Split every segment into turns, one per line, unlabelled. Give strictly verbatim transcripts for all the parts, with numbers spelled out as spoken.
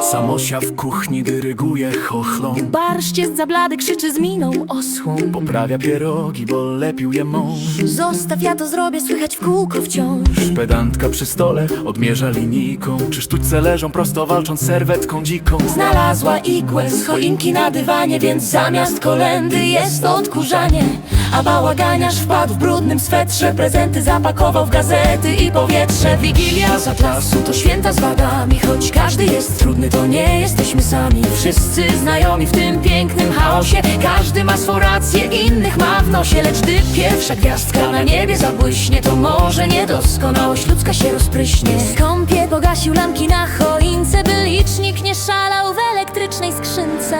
Samosia w kuchni dyryguje chochlą.
Barszcz jest za blady, krzyczy z miną osłą.
Poprawia pierogi, bo lepił je mąż.
Zostaw, ja to zrobię, słychać w kółko wciąż.
Pedantka przy stole odmierza linijką. Czy sztućce leżą prosto, walcząc serwetką dziką.
Znalazła igłę z choinki na dywanie, więc zamiast kolędy jest odkurzanie. A bałaganiarz wpadł w brudnym swetrze, prezenty zapakował w gazety i powietrze. Wigilia z Atlasu to święta z wadami, choć każdy jest trudny, to nie jesteśmy sami. Wszyscy znajomi w tym pięknym chaosie, każdy ma swą rację, innych ma w nosie. Lecz gdy pierwsza gwiazdka na niebie zabłyśnie, to może niedoskonałość ludzka się rozpryśnie. Skąpie pogasił lampki na choince, by licznik nie szalał w elektrycznej skrzynce.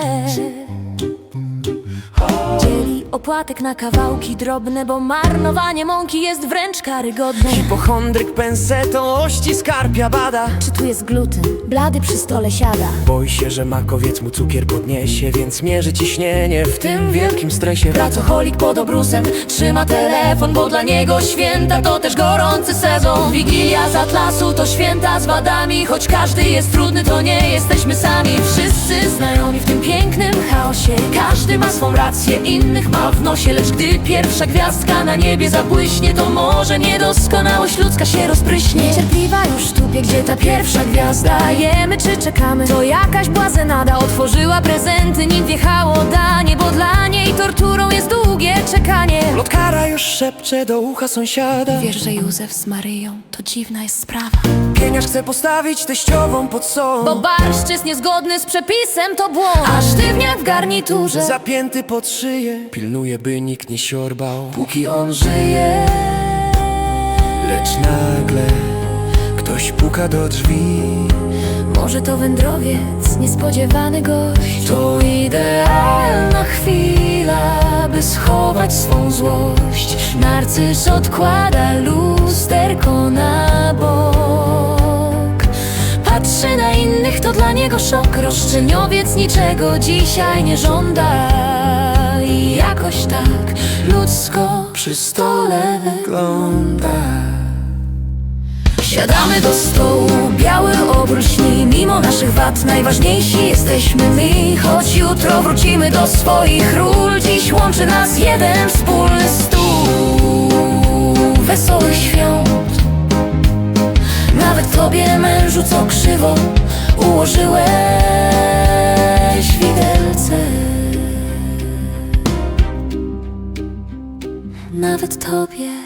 Dzieli opłatek na kawałki drobne, bo marnowanie mąki jest wręcz karygodne.
Hipochondryk pensetą ości skarpia bada.
Czy tu jest gluten? Blady przy stole siada.
Boi się, że makowiec mu cukier podniesie, więc mierzy ciśnienie w tym wielkim stresie.
Pracoholik pod obrusem trzyma telefon, bo dla niego święta to też gorący sezon. Wigilia z Atlasu to święta z wadami, choć każdy jest trudny, to nie jesteśmy sami. Wszyscy znajomi w tym pięknym chaosie, każdy ma swą rację, innych ma w nosie. Lecz gdy pierwsza gwiazdka na niebie zabłyśnie, to może niedoskonałość ludzka się rozpryśnie. Niecierpliwa już tupie, gdzie ta pierwsza gwiazda. Jemy czy czekamy, to jakaś błazenada. Otworzyła prezenty, nim wjechało danie, bo dla niej torturą jest długie czekanie.
Plotkara już szepcze do ucha sąsiada.
Wiesz, że Józef z Maryją to dziwna jest sprawa.
Pieniarz chce postawić teściową pod solą,
Bo barszcz jest niezgodny z przepisem, to błąd. A sztywniak w garniturze
zapięty pod szyję pilnuje, by nikt nie siorbał,
póki on żyje.
lecz nagle ktoś puka do drzwi.
Może to wędrowiec, niespodziewany gość. To idealna chwila, by schować swą złość. Narcyz odkłada lusterko na bok. Patrzy na innych, to dla niego szok. Roszczeniowiec niczego dzisiaj nie żąda. I jakoś tak ludzko przy stole wygląda. Siadamy do stołu, biały obrót śni. Mimo naszych wad najważniejsi jesteśmy my. Choć jutro wrócimy do swoich ról, dziś łączy nas jeden wspólny stół wesołych świąt. Nawet tobie, mężu, co krzywo ułożyłeś widelce. Nawet tobie.